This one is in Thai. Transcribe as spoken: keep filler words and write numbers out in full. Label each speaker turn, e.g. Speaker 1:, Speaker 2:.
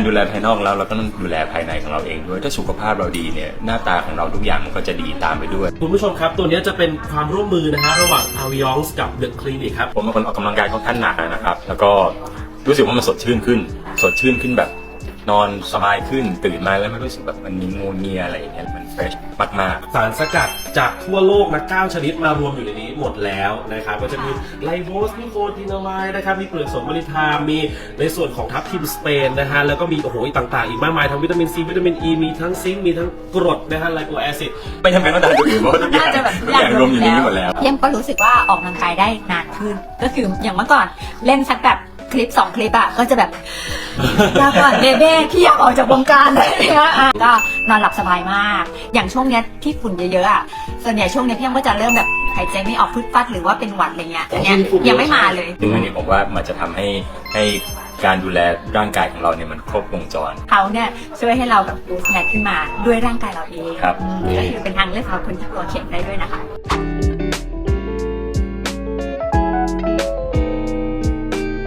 Speaker 1: ดูแลภายนอกแล้วเราก็ต้องดูแลภายในของเราเองด้วยถ้าสุขภาพเราดีเนี่ยหน้าตาของเราทุกอย่างมันก็จะดีตามไปด้วย
Speaker 2: คุณผู้ชมครับตัวนี้จะเป็นความร่วมมือนะฮะระหว่าง Aviance กับ The Clinic ครับ
Speaker 1: ผมเป็นคนออกกำลังกายค่อนข้างหนักนะครับแล้วก็รู้สึกว่ามันสดชื่นขึ้นสดชื่นขึ้นแบบนอนสบายขึ้นตื่นมาแล้วไม่รู้สึกแบบมันมีงูเงียอะไรอย่างเงี้ยมันเฟรชมาก
Speaker 2: ๆสารสกัดจากทั่วโลกนะเก้าชนิดมารวมอยู่ในนี้หมดแล้วนะครับก็จะมีไลโบสมีโคตินามายนะครับมีเปลือกสนมะลิทามมีในส่วนของทับทิมสเปนนะฮะแล้วก็มีโอ้โหต่างๆอีกมากมายทั้งวิตามินซีวิตามินอีมีทั้งซิงค์มีทั้งกรดนะฮะไลโคแอซิด
Speaker 1: ไม่จำเป็นต้องทานตัวอื่นเพราะว่าทุกอย่างทุกอย่างรวมอยู่ในนี้หมดแล้ว
Speaker 3: เยี่ยมก็รู้สึกว่าออกกำลังกายได้นานขึ้นก็คืออย่างเมื่อก่อนเล่นสักแบบคลิปสองคลิปอะก็จะแบบอยากก่อนเบเบ้พี่อยากออกจากวงการเลยนะก็นอนหลับสบายมากอย่างช่วงเนี้ยที่ฝุ่นเยอะๆอะส่วนใหญ่ช่วงนี้พี่ยังก็จะเริ่มแบบหายใจไม่ออกพึดฟัดหรือว่าเป็นหวัดอะไรเงี้ยอันเนี้ยยังไม่มาเลย
Speaker 1: ซึ่งอันนี้ผมว่ามันจะทำให้ให้การดูแลร่างกายของเราเนี่ยมันครบวงจร
Speaker 3: เขาเนี่ยช่วยให้เราแบบบูสต์แนทขึ้นมาด้วยร่างกายเราเอง
Speaker 1: ครับ
Speaker 3: ก็คือเป็นทางเลือกสำหรับคนที่ตัวเข็มได้ด้วยนะคะ